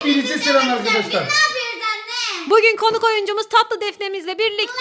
birisi selam arkadaşlar. Ne yapıyoruz anne? Bugün konuk oyuncumuz Tatlı Defne'mizle birlikte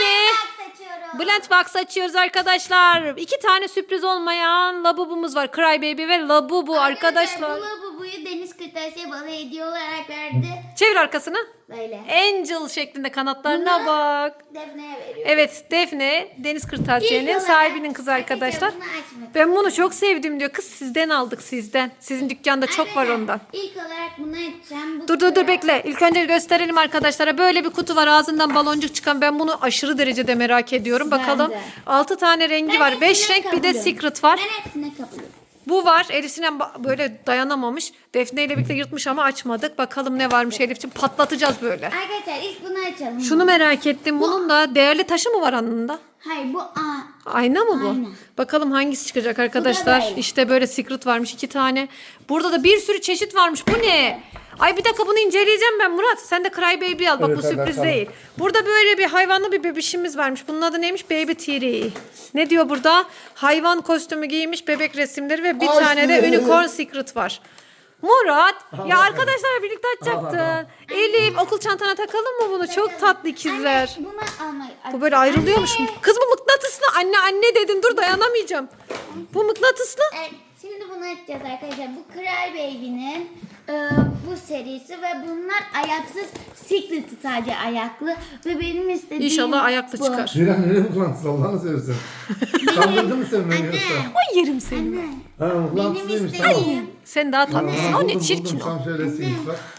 Blend Box açıyoruz arkadaşlar. 2 tane sürpriz olmayan Labubumuz var. Cry Baby ve Labubu arkadaşlar. Bu Labubu'yu Deniz Kırtasiye bana hediye olarak verdi. Çevir arkasını. Böyle. Angel şeklinde kanatlarına bak. Defne'ye veriyor. Evet, Defne Deniz Kırtasiye'nin sahibinin kızı arkadaşlar. Ben bunu çok sevdim diyor. Kız sizden aldık sizden. Sizin dükkanda çok var ondan. İlk olarak bunu açacağım. Dur bekle. İlk önce gösterelim arkadaşlara. Böyle bir kutu var. Ağzından baloncuk çıkan. Ben bunu aşırı derecede merak ediyorum. Ben Bakalım. de. 6 tane rengi var. 5 renk bir de secret var. Ben hepsine kabulüm. Bu var. Elif Sinem böyle dayanamamış. Defne ile birlikte yırtmış ama açmadık. Bakalım ne varmış Elif'ciğim. Patlatacağız böyle. Arkadaşlar ilk bunu açalım. Şunu merak ettim. Bunun da değerli taşı mı var anında? Hayır bu Ayna mı bu? Ayna. Bakalım hangisi çıkacak arkadaşlar. böyle. İşte böyle secret varmış 2 tane. Burada da bir sürü çeşit varmış. Bu ne? Ay bir dakika bunu inceleyeceğim ben Murat. Sen de Cry Baby al. Bak Evet, bu sürpriz tamam. değil. Burada böyle bir hayvanlı bir bebişimiz varmış. Bunun adı neymiş? Baby Tiri. Ne diyor burada? Hayvan kostümü giymiş, bebek resimleri ve bir Ay, tane de şimdi. unicorn secret var. Murat, ya bakalım. arkadaşlarla birlikte açacaktın. Elif, okul çantana takalım mı bunu? Çok tatlı ikizler. Anne bunu almayı. Bu böyle ayrılıyormuş. Kız bu mıknatıslı. Anne dedin. Dur dayanamayacağım. Bu mıknatıslı. Evet, şimdi bunu açacağız arkadaşlar. Bu Cry Baby'nin bu serisi ve bunlar ayaksız Secret'ı sadece ayaklı ve benim istediğim İnşallah ayaklı bu. çıkar. Ceylan nereye mıklantıs Allah'ını seversen. Kandırdın mı sen beni yoksa? Ay yerim seni. Anne, Ha mıklantıs benim değilmiş tamam. istediğim Sen daha tatlısın. O ne Buldum, çirkin o. Tam şöylesiymiş bak.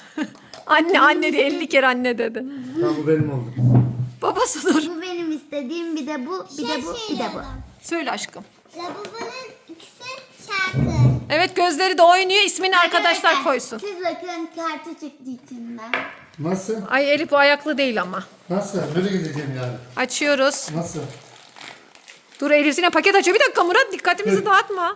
Anne diye 50 kere anne dedi. Tamam bu benim oldu. Babası dur. bu benim istediğim bir de bu, bir de bu, bir de bu. Söyle aşkım. Labubu'nun ikisi şarkı. Evet gözleri de oynuyor. İsmini arkadaşlar koysun. Siz bakın kartı çıktı içinden. Nasıl? Ay Elif bu ayaklı değil ama. Nasıl? Böyle gideceğim yani. Açıyoruz. Nasıl? Dur Elif Sinem paket açıyor. Bir dakika Murat dikkatimizi dağıtma.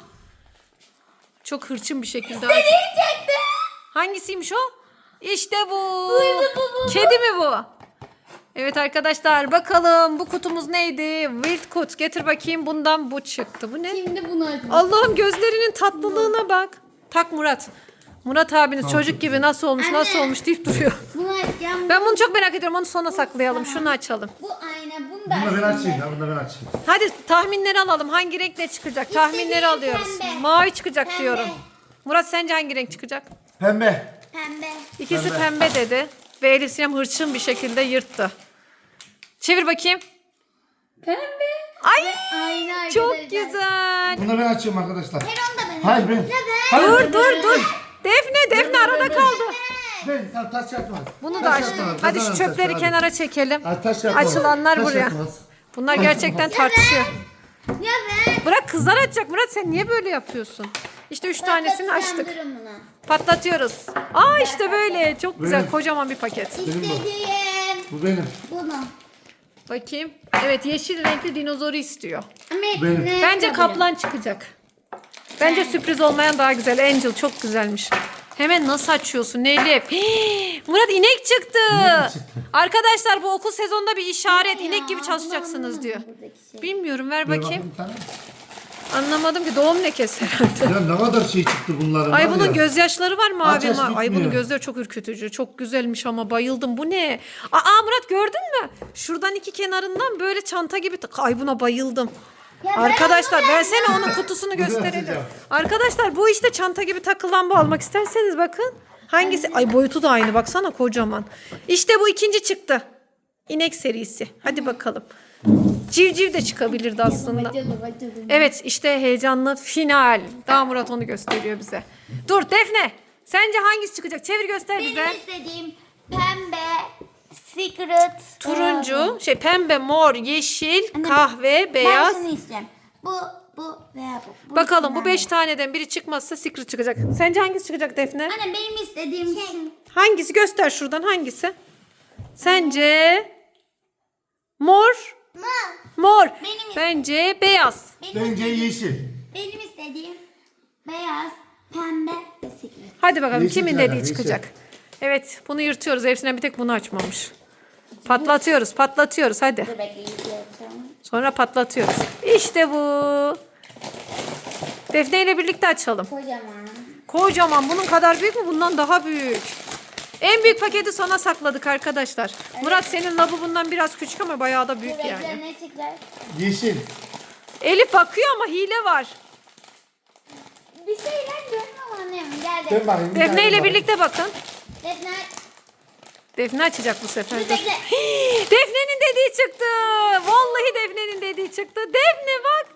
Çok hırçın bir şekilde aç. Çıktı. Hangisiymiş o? İşte bu. Kedi mi bu? Evet arkadaşlar bakalım bu kutumuz neydi? Wild Kut. Getir bakayım bundan bu çıktı. Bu ne? Şimdi bunu açacağız. Allah'ım gözlerinin tatlılığına bak. Tak Murat. Murat abiniz çocuk gibi nasıl olmuş nasıl Anne. olmuş deyip duruyor. Bunu açacağım. Ben bunu çok merak ediyorum. Onu sona saklayalım. Şunu açalım. Bu ayna, bunu da Bunu da ben açayım. açayım ya. Bunu da ben açayım. Hadi tahminleri alalım. Hangi renk ne çıkacak? Tahminleri İstediğim alıyoruz. pembe. Mavi çıkacak Pembe. diyorum. Murat sence hangi renk çıkacak? Pembe. Pembe. İkisi Pembe. pembe dedi. Ve Elif Sinem hırçın bir şekilde yırttı. Çevir bakayım. Pembe. Ay Ayna çok arkadaşlar. güzel. Bunu da ben açıyorum arkadaşlar. Hayır onu da ben. Hayır ben. Ya ben. Hayır, Dur ben. dur. Defne arada kaldı. Ben taş yapmaz. Bunu da Taş açtım. yapmaz. Hadi şu Taş çöpleri yapmaz. kenara çekelim. Ay, taş yapmaz. Açılanlar Taş buraya. yapmaz. Bunlar gerçekten tartışıyor. Ya ben. Bırak kızlar açacak. Murat sen niye böyle yapıyorsun? İşte 3 tanesini açtık. Durun bunu. Patlatıyoruz. Aa işte böyle. Çok güzel. Benim. Kocaman bir paket. Benim bu. İstediğim. Bu benim. Bunu. Bakayım. Evet yeşil renkli dinozoru istiyor. Ama Benim. hepsine Bence kabulüm. kaplan çıkacak. Bence sürpriz olmayan daha güzel. Angel çok güzelmiş. Hemen nasıl açıyorsun Elif? Hii, Murat inek çıktı. İnek çıktı. Arkadaşlar bu okul sezonunda bir işaret. Ya, İnek gibi bunu çalışacaksınız anlamadım diyor. buradaki şey. Bilmiyorum ver Ver bakayım. bir tane. Anlamadım ki doğum lekesi herhalde. Ya ne kadar şey çıktı bunların. Ay var bunun ya. gözyaşları var mı Aç abi? aç Ay bunun bitmiyor. gözleri çok ürkütücü. Çok güzelmiş ama bayıldım. Bu ne? Aa Murat gördün mü? Şuradan iki kenarından böyle çanta gibi. Ay buna bayıldım. Ya ben Arkadaşlar bunu versene vermem. onun kutusunu Bunu gösterelim. açacağım. Arkadaşlar bu işte çanta gibi takılan bu almak isterseniz bakın. Hangisi? Ay boyutu da aynı baksana kocaman. İşte bu ikinci çıktı. İnek serisi. Hadi bakalım. Civciv de çıkabilirdi aslında. Bacılı. Evet işte heyecanlı final. Daha Murat onu gösteriyor bize. Dur Defne. Sence hangisi çıkacak? Çevir göster bize. Benim istediğim pembe, secret, Turuncu, pembe, mor, yeşil, Anne, kahve, Ben beyaz. şunu istiyorum. Bu veya bu. Bakalım bu ikisinden 5 taneden biri çıkmazsa secret çıkacak. Sence hangisi çıkacak Defne? Anne benim istediğim şey. Hangisi? Göster şuradan hangisi? Sence mor? Mor. Benim- Bence beyaz. Bence yeşil. Benim istediğim beyaz, pembe ve secret. Hadi bakalım Yeşil kimin çıkacak, dediği yeşil. çıkacak. Evet bunu yırtıyoruz. Hepsinden bir tek bunu açmamış. Patlatıyoruz hadi. Dur bekleyin. yapacağım. Sonra patlatıyoruz. İşte bu. Defne ile birlikte açalım. Kocaman. Kocaman bunun kadar büyük mü? Bundan daha büyük. En büyük paketi sona sakladık arkadaşlar. Murat senin lavabondan biraz küçük ama bayağı da büyük Şurada yani. ne çıkacak? Yeşil. Elif bakıyor ama hile var. Bir şeyler görmüyorum annem. Gel Dön de. bakayım. bir Defne tane ile bak. birlikte bakın. Defne. Defne açacak bu sefer. Dur bekle. Defne'nin dediği çıktı. Vallahi Defne'nin dediği çıktı. Defne bak.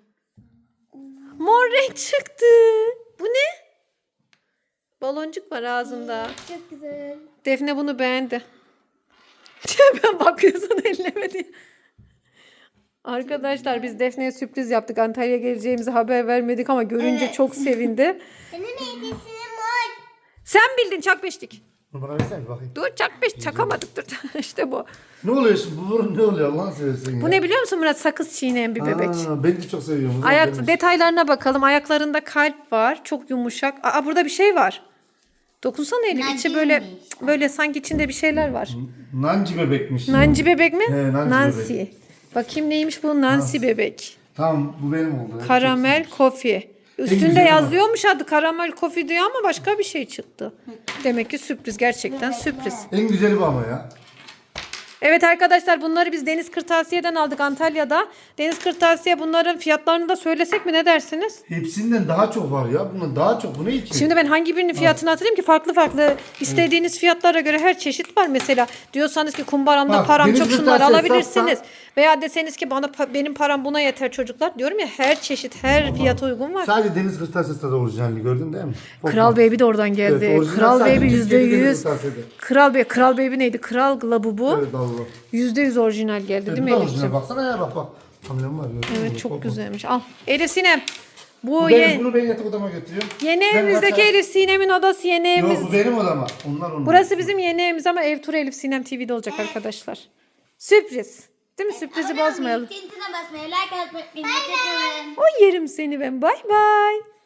Mor renk çıktı. Bu ne? Baloncuk var ağzında. Çok güzel. Defne bunu beğendi. Ben bakıyorsun elleme diye. Arkadaşlar biz Defne'ye sürpriz yaptık. Antalya'ya geleceğimizi haber vermedik ama görünce Evet. çok sevindi. Senin hediyesinin var. Sen bildin çak beşlik. Bunu bana versene bir bakayım. Dur çak beş çakamadık dur. İşte bu. Ne oluyor şimdi? Bu burun ne oluyor Allah'ını seversen ya. Bu ne biliyor musun Murat? Sakız çiğneyen bir bebek. Ben de çok seviyorum. Ayak detaylarına bakalım. Ayaklarında kalp var. Çok yumuşak. Aa burada bir şey var. Dokunsana Elif. İçi böyle böyle sanki içinde bir şeyler var. Nanci bebekmiş. Nanci bebek mi? He, Nancy Nancy. bebek. Bakayım neymiş bu? Nancy bebek. Tamam bu benim oldu. Karamel kofi. Üstünde güzeli var. yazıyormuş adı karamel kofi diyor ama başka bir şey çıktı. Demek ki sürpriz. Gerçekten sürpriz. En güzeli bu ama ya. Evet arkadaşlar bunları biz Deniz Kırtasiye'den aldık Antalya'da. Deniz Kırtasiye bunların fiyatlarını da söylesek mi ne dersiniz? Hepsinden daha çok var ya. Bundan daha çok. Bu ne ki? Şimdi ben hangi birinin fiyatını hatırlayayım ki farklı farklı istediğiniz fiyatlara göre her çeşit var mesela. Diyorsanız ki kumbaramda Bak, param Deniz çok şunları Kırtasiye alabilirsiniz. Veya deseniz ki benim param buna yeter çocuklar. Diyorum ya her çeşit her fiyata uygun var. Sadece Deniz Kırtasiye'de orijinalini gördün değil mi? Kral Baby de oradan geldi. Evet, orijinal Kral sadece Baby Türkiye'de Deniz %100. Kırtasiye'de. Kral Baby neydi? Kral Labubu Evet Allah. %100 orijinal geldi değil Evet, mi bu da Elif'ciğim? orijinal. Baksana ya bak. Hamlem var. gördün mü? Evet çok Bak, bak. güzelmiş. Al. Elif Sinem. Bu Bunu ben yatak odama götürüyorum. yeni Ben evimizdeki kaçar- Elif Sinem'in odası yeni evimiz. Yok bu benim odama. Onlar. Burası bizim yeni evimiz ama ev turu Elif Sinem TV'de olacak arkadaşlar. Sürpriz. Değil mi? Sürprizi bozmayalım. Tintine basmayı, like atmayı, unutmayın. O yerim seni ben. Bay bay.